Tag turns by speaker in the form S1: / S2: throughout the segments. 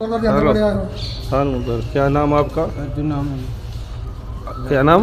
S1: Hello हाँ sir, क्या नाम आपका?
S2: अर्जुन नाम है जी।
S1: क्या नाम?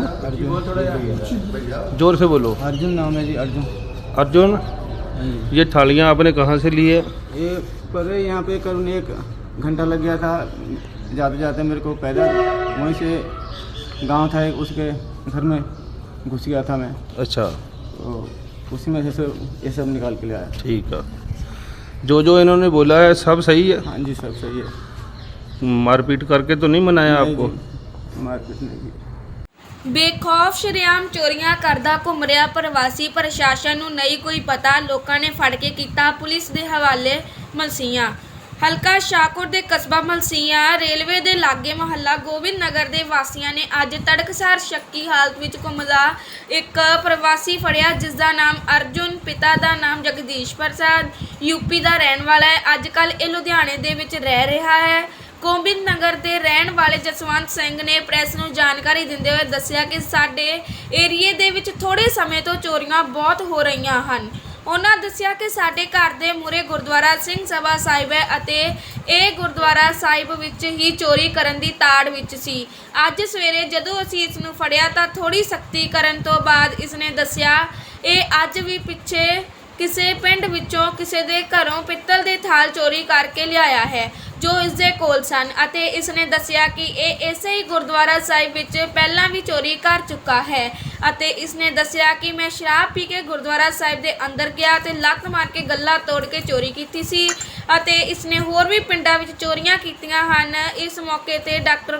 S2: अर्जुन।
S1: जोर से बोलो।
S2: अर्जुन नाम है जी, अर्जुन।
S1: अर्जुन,
S2: हाँ जी।
S1: ये थालियाँ आपने कहाँ से ली है?
S2: ये पर यहाँ पे करीब 1 घंटा लग गया था। जाते जाते मेरे को पैदल वहीं से गांव था एक, उसके घर में घुस गया था मैं,
S1: अच्छा,
S2: तो उसी में से ये सब निकाल के ले आया।
S1: ठीक है। जो इन्होंने बोला है सब सही है?
S2: हाँ जी, सब सही है।
S1: मारपीट करके तो नहीं मनाया
S2: नहीं
S1: आपको?
S2: जी, मारपीट नहीं की।
S3: ਬੇਖੌਫ ਸ਼ਰੇਆਮ ਚੋਰੀਆਂ ਕਰਦਾ ਘੁੰਮ ਰਿਹਾ ਪ੍ਰਵਾਸੀ, ਪ੍ਰਸ਼ਾਸਨ ਨੂੰ ਨਹੀਂ ਕੋਈ ਪਤਾ, ਲੋਕਾਂ ਨੇ ਫੜ ਕੇ ਕੀਤਾ ਪੁਲਿਸ ਦੇ ਹਵਾਲੇ। ਮਲਸੀਆਂ ਹਲਕਾ ਸ਼ਾਹਕੋਟ ਦੇ ਕਸਬਾ ਮਲਸੀਆਂ ਰੇਲਵੇ ਦੇ ਲਾਗੇ ਮੁਹੱਲਾ ਗੋਬਿੰਦ ਨਗਰ ਦੇ ਵਾਸੀਆਂ ਨੇ ਅੱਜ ਤੜਕਸਾਰ ਸ਼ੱਕੀ ਹਾਲਤ ਵਿੱਚ ਘੁੰਮਦਾ ਇੱਕ ਪ੍ਰਵਾਸੀ ਫੜਿਆ, ਜਿਸ ਦਾ ਨਾਮ ਅਰਜੁਨ, ਪਿਤਾ ਦਾ ਨਾਮ ਜਗਦੀਸ਼ ਪ੍ਰਸਾਦ, ਯੂਪੀ ਦਾ ਰਹਿਣ ਵਾਲਾ ਹੈ। ਅੱਜ ਕੱਲ੍ਹ ਇਹ ਲੁਧਿਆਣੇ ਦੇ ਵਿੱਚ ਰਹਿ ਰਿਹਾ ਹੈ। ਗੋਬਿੰਦ ਨਗਰ ਦੇ ਰਹਿਣ ਵਾਲੇ ਜਸਵੰਤ ਸਿੰਘ ਨੇ ਪ੍ਰੈਸ ਨੂੰ ਜਾਣਕਾਰੀ ਦਿੰਦੇ ਹੋਏ ਦੱਸਿਆ ਕਿ ਸਾਡੇ ਏਰੀਏ ਦੇ ਵਿੱਚ ਥੋੜ੍ਹੇ ਸਮੇਂ ਤੋਂ ਚੋਰੀਆਂ ਬਹੁਤ ਹੋ ਰਹੀਆਂ ਹਨ। ਉਹਨਾਂ ਦੱਸਿਆ ਕਿ ਸਾਡੇ ਘਰ ਦੇ ਮੂਹਰੇ ਗੁਰਦੁਆਰਾ ਸਿੰਘ ਸਭਾ ਸਾਹਿਬ ਹੈ ਅਤੇ ਇਹ ਗੁਰਦੁਆਰਾ ਸਾਹਿਬ ਵਿੱਚ ਹੀ ਚੋਰੀ ਕਰਨ ਦੀ ਤਾੜ ਵਿੱਚ ਸੀ। ਅੱਜ ਸਵੇਰੇ ਜਦੋਂ ਅਸੀਂ ਇਸ ਨੂੰ ਫੜਿਆ ਤਾਂ ਥੋੜ੍ਹੀ ਸਖਤੀ ਕਰਨ ਤੋਂ ਬਾਅਦ ਇਸ ਨੇ ਦੱਸਿਆ ਇਹ ਅੱਜ ਵੀ ਪਿੱਛੇ ਕਿਸੇ ਪਿੰਡ ਵਿੱਚੋਂ ਕਿਸੇ ਦੇ ਘਰੋਂ ਪਿੱਤਲ ਦੇ ਥਾਲ ਚੋਰੀ ਕਰਕੇ ਲਿਆਇਆ ਹੈ ਜੋ ਇਸ ਦੇ ਕੋਲ ਸਨ, ਅਤੇ ਇਸ ਨੇ ਦੱਸਿਆ ਕਿ ਇਹ ਇਸੇ ਹੀ ਗੁਰਦੁਆਰਾ ਸਾਹਿਬ ਵਿੱਚ ਪਹਿਲਾਂ ਵੀ ਚੋਰੀ ਕਰ ਚੁੱਕਾ ਹੈ। ਅਤੇ ਇਸ ਨੇ ਦੱਸਿਆ ਕਿ ਮੈਂ ਸ਼ਰਾਬ ਪੀ ਕੇ ਗੁਰਦੁਆਰਾ ਸਾਹਿਬ ਦੇ ਅੰਦਰ ਗਿਆ ਤੇ ਲੱਤ ਮਾਰ ਕੇ ਗੱਲਾ ਤੋੜ ਕੇ ਚੋਰੀ ਕੀਤੀ ਸੀ ਅਤੇ ਇਸ ਨੇ ਹੋਰ ਵੀ ਪਿੰਡਾਂ ਵਿੱਚ ਚੋਰੀਆਂ ਕੀਤੀਆਂ ਹਨ। ਇਸ ਮੌਕੇ ਤੇ ਡਾਕਟਰ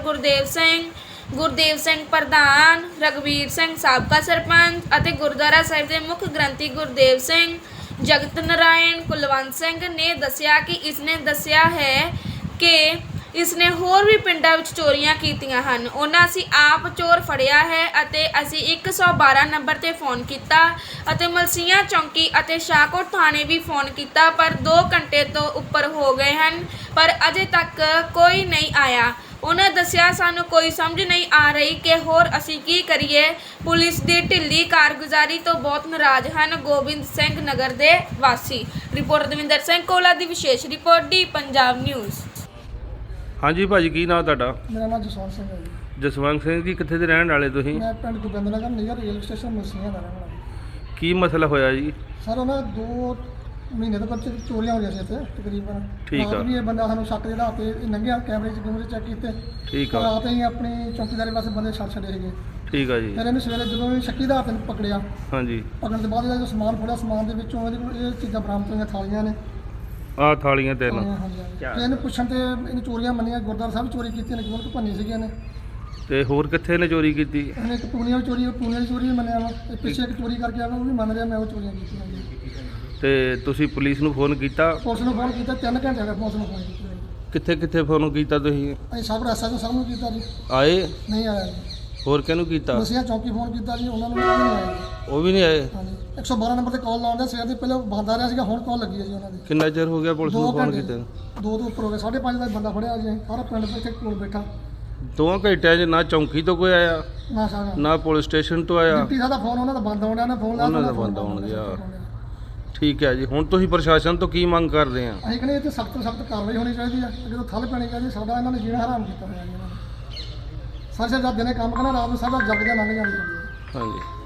S3: ਗੁਰਦੇਵ ਸਿੰਘ ਪ੍ਰਧਾਨ, ਰਗਵੀਰ ਸਿੰਘ ਸਾਬਕਾ ਸਰਪੰਚ ਅਤੇ ਗੁਰਦੁਆਰਾ ਸਾਹਿਬ ਦੇ ਮੁੱਖ ਗ੍ਰੰਥੀ ਗੁਰਦੇਵ ਸਿੰਘ, ਜਗਤ ਨਾਰਾਇਣ, ਕੁਲਵੰਤ ਸਿੰਘ ਨੇ ਦੱਸਿਆ ਕਿ ਇਸ ਨੇ ਦੱਸਿਆ ਹੈ ਕਿ ਇਸ ਨੇ ਹੋਰ ਵੀ ਪਿੰਡਾਂ ਵਿੱਚ ਚੋਰੀਆਂ ਕੀਤੀਆਂ ਹਨ। ਉਹਨਾਂ ਅਸੀਂ ਆਪ ਚੋਰ ਫੜਿਆ ਹੈ ਅਤੇ ਅਸੀਂ 112 ਨੰਬਰ 'ਤੇ ਫੋਨ ਕੀਤਾ ਅਤੇ ਮਲਸੀਆਂ ਚੌਂਕੀ ਅਤੇ ਸ਼ਾਹਕੋਟ ਥਾਣੇ ਵੀ ਫੋਨ ਕੀਤਾ, ਪਰ 2 ਘੰਟੇ ਤੋਂ ਉੱਪਰ ਹੋ ਗਏ ਹਨ ਪਰ ਅਜੇ ਤੱਕ ਕੋਈ ਨਹੀਂ ਆਇਆ। ਉਹਨਾਂ ਦੱਸਿਆ ਸਾਨੂੰ ਕੋਈ ਸਮਝ ਨਹੀਂ ਆ ਰਹੀ ਕਿ ਹੋਰ ਅਸੀਂ ਕੀ ਕਰੀਏ। ਪੁਲਿਸ ਦੀ ਢਿੱਲੀ ਕਾਰਗੁਜ਼ਾਰੀ ਤੋਂ ਬਹੁਤ ਨਾਰਾਜ਼ ਹਨ ਗੋਬਿੰਦ ਸਿੰਘ ਨਗਰ ਦੇ ਵਾਸੀ। ਰਿਪੋਰਟ ਦਵਿੰਦਰ ਸਿੰਘ ਕੋਲਾ ਦੀ ਵਿਸ਼ੇਸ਼ ਰਿਪੋਰਟ, ਡੀ ਪੰਜਾਬ ਨਿਊਜ਼।
S1: ਹਾਂਜੀ ਭਾਜੀ, ਕੀ ਨਾਮ ਤੁਹਾਡਾ?
S4: ਮੇਰਾ ਨਾਮ ਜਸਵੰਤ ਸਿੰਘ ਹੈ ਜੀ।
S1: ਜਸਵੰਤ ਸਿੰਘ ਜੀ, ਕਿੱਥੇ ਦੇ ਰਹਿਣ ਵਾਲੇ ਤੁਸੀਂ?
S4: ਮੈਂ ਪਿੰਡ Gobind Nagar near railway station Malsian ਦਾ ਰਹਿਣ ਵਾਲਾ।
S1: ਕੀ ਮਸਲਾ ਹੋਇਆ ਜੀ?
S4: ਸਰ ਉਹਨਾਂ 2 ਮਹੀਨੇ ਤੋਂ ਬੱਚੇ ਚੋਰੀਆਂ ਹੋ ਰਹੀਆਂ ਸੀ ਇੱਥੇ ਤਕਰੀਬਨ।
S1: ਠੀਕ ਆ।
S4: ਰਾਤ ਵੀ ਇਹ ਬੰਦਾ ਸਾਨੂੰ ਸ਼ੱਕ ਜਿਹੜਾ ਤੇ ਲੰਘਿਆ, ਕੈਮਰੇ ਚੈੱਕ ਕੀਤੇ।
S1: ਠੀਕ ਆ।
S4: ਰਾਤ ਹੀ ਆਪਣੀ ਚੌਕੀਦਾਰੀ ਵਾਸਤੇ ਬੰਦੇ ਛੱਡ ਛੱਡੇ ਸੀਗੇ।
S1: ਠੀਕ ਆ ਜੀ।
S4: ਫਿਰ ਇਹਨੂੰ ਸਵੇਰੇ ਜਦੋਂ ਵੀ ਸ਼ੱਕੀ ਦਾ ਹੱਥ ਨੂੰ ਪਕੜਿਆ,
S1: ਹਾਂਜੀ।
S4: ਪਕੜਨ ਤੋਂ ਬਾਅਦ ਇਹਦਾ ਜੋ ਸਮਾਨ ਫੜਿਆ, ਸਮਾਨ ਦੇ ਵਿੱਚੋਂ ਇਹਦੇ ਕੋਲ ਇਹ ਚੀਜ਼ਾਂ ਬਰਾਮਦ ਹੋਈਆਂ, ਥਾਲੀਆਂ ਨੇ।
S1: ਆਹ ਥਾਲੀਆਂ 3।
S4: ਹਾਂਜੀ। ਤੇ ਇਹਨੂੰ ਪੁੱਛਣ ਤੇ ਇਹਨੂੰ ਚੋਰੀਆਂ ਮੰਨੀਆਂ, ਗੁਰਦੁਆਰਾ ਸਾਹਿਬ ਚੋਰੀ ਕੀਤੀ ਨੇ, ਕਿਉਂ ਭੰਨੀ ਸੀਗੀਆਂ ਨੇ।
S1: ਤੇ ਹੋਰ ਕਿੱਥੇ ਨੇ ਚੋਰੀ ਕੀਤੀ?
S4: ਇਹਨੇ ਇੱਕ ਪੂਨੀਆਂ ਦੀ ਚੋਰੀ ਵੀ ਮੰਨਿਆ ਵਾ। ਇਹ ਪਿੱਛੇ ਇੱਕ ਚੋਰੀ ਕਰਕੇ ਆਇਆ, ਉਹ ਵੀ ਮੰਨ ਰਿਹਾ ਮੈਂ ਉਹ ਚੋਰੀਆਂ ਕੀਤੀਆਂ ਜੀ।
S1: ਤੇ ਤੁਸੀਂ ਪੁਲਿਸ ਨੂੰ ਫੋਨ ਕੀਤਾ?
S4: ਪੁਲਿਸ ਨੂੰ ਫੋਨ ਕੀਤਾ, 3 ਘੰਟੇ ਹੋ ਗਏ ਪੁਲਿਸ ਨੂੰ ਫੋਨ ਕੀਤਾ।
S1: ਕਿੱਥੇ ਫੋਨ ਕੀਤਾ ਤੁਸੀਂ?
S4: ਅਸੀਂ ਸਭ ਐਸਐਚਓ ਸਾਹਿਬ ਨੂੰ ਕੀਤਾ ਜੀ,
S1: ਆਏ?
S4: ਨਹੀਂ ਆਇਆ ਜੀ।
S1: ਹੋਰ ਕਿਹਨੂੰ ਕੀਤਾ?
S4: ਮਸੀਹਾ ਚੌਂਕੀ ਫੋਨ ਕੀਤਾ ਜੀ, ਉਹਨਾਂ ਨੂੰ ਵੀ ਨਹੀਂ ਆਇਆ ਜੀ।
S1: ਉਹ ਵੀ ਨਹੀਂ ਆਏ?
S4: ਹਾਂਜੀ। 112 ਨੰਬਰ ਤੇ ਕਾਲ ਲਾਉਂਦੇ ਸਵੇਰ ਦੇ, ਪਹਿਲਾਂ ਬੰਦ ਆ ਰਿਹਾ ਸੀਗਾ, ਹੁਣ ਕਾਲ ਲੱਗੀ ਹੈ ਜੀ ਉਹਨਾਂ ਦੀ।
S1: ਕਿੰਨਾ ਚਿਰ ਹੋ ਗਿਆ ਪੁਲਿਸ ਨੂੰ ਫੋਨ ਕੀਤੇ?
S4: 2 ਤੋਂ ਉੱਪਰ ਹੋ ਗਏ। 5:30 ਦਾ ਬੰਦਾ ਫੜਿਆ ਜੀ, ਸਾਰਾ ਪਿੰਡ ਇੱਥੇ ਕੋਲ ਬੈਠਾ।
S1: 2 ਘੰਟਿਆਂ 'ਚ ਨਾ ਚੌਂਕੀ ਤੋਂ ਕੋਈ ਆਇਆ,
S4: ਨਾ ਸਾਰਾ
S1: ਨਾ ਪੁਲਿਸ ਸਟੇਸ਼ਨ ਤੋਂ ਆਇਆ?
S4: ਡਿਊਟੀ ਸਾਡਾ ਫੋਨ ਉਹਨਾਂ ਦਾ ਬੰਦ ਹੋਣ ਡਿਆ, ਨਾ ਫੋਨ ਲਾਇਆ
S1: ਉਹਨਾਂ ਦਾ ਬੰਦ ਹੋਣ ਗਿਆ। ਠੀਕ ਹੈ ਜੀ। ਹੁਣ ਤੁਸੀਂ ਪ੍ਰਸ਼ਾਸਨ ਤੋਂ ਕੀ ਮੰਗ ਕਰਦੇ ਆ?
S4: ਅਸੀਂ ਕਹਿੰਦੇ ਇਹ ਤੇ ਸਖਤ ਤੋਂ ਸਖਤ ਕਾਰਵਾਈ ਹੋਣੀ ਚਾਹੀਦੀ ਹੈ। ਜਦੋਂ ਥੱਲ ਪੈਣੀ ਚਾਹੀਦੀ, ਸਾਡਾ ਇਹਨਾਂ ਨੇ ਜੀਣਾ ਹਰਾਮ ਕੀਤਾ ਹੋਇਆ ਜੀ ਇਹਨਾਂ ਨੇ। ਸਾਰੇ ਜਦ ਦਿਨੇ ਕੰਮ ਕਰਨਾ, ਰਾਤ ਨੂੰ ਸਾਡਾ ਜੱਗ ਜਾ ਲੰਘ ਜਾਣੀ ਚਾਹੀਦੀ ਹੈ।
S1: ਹਾਂਜੀ।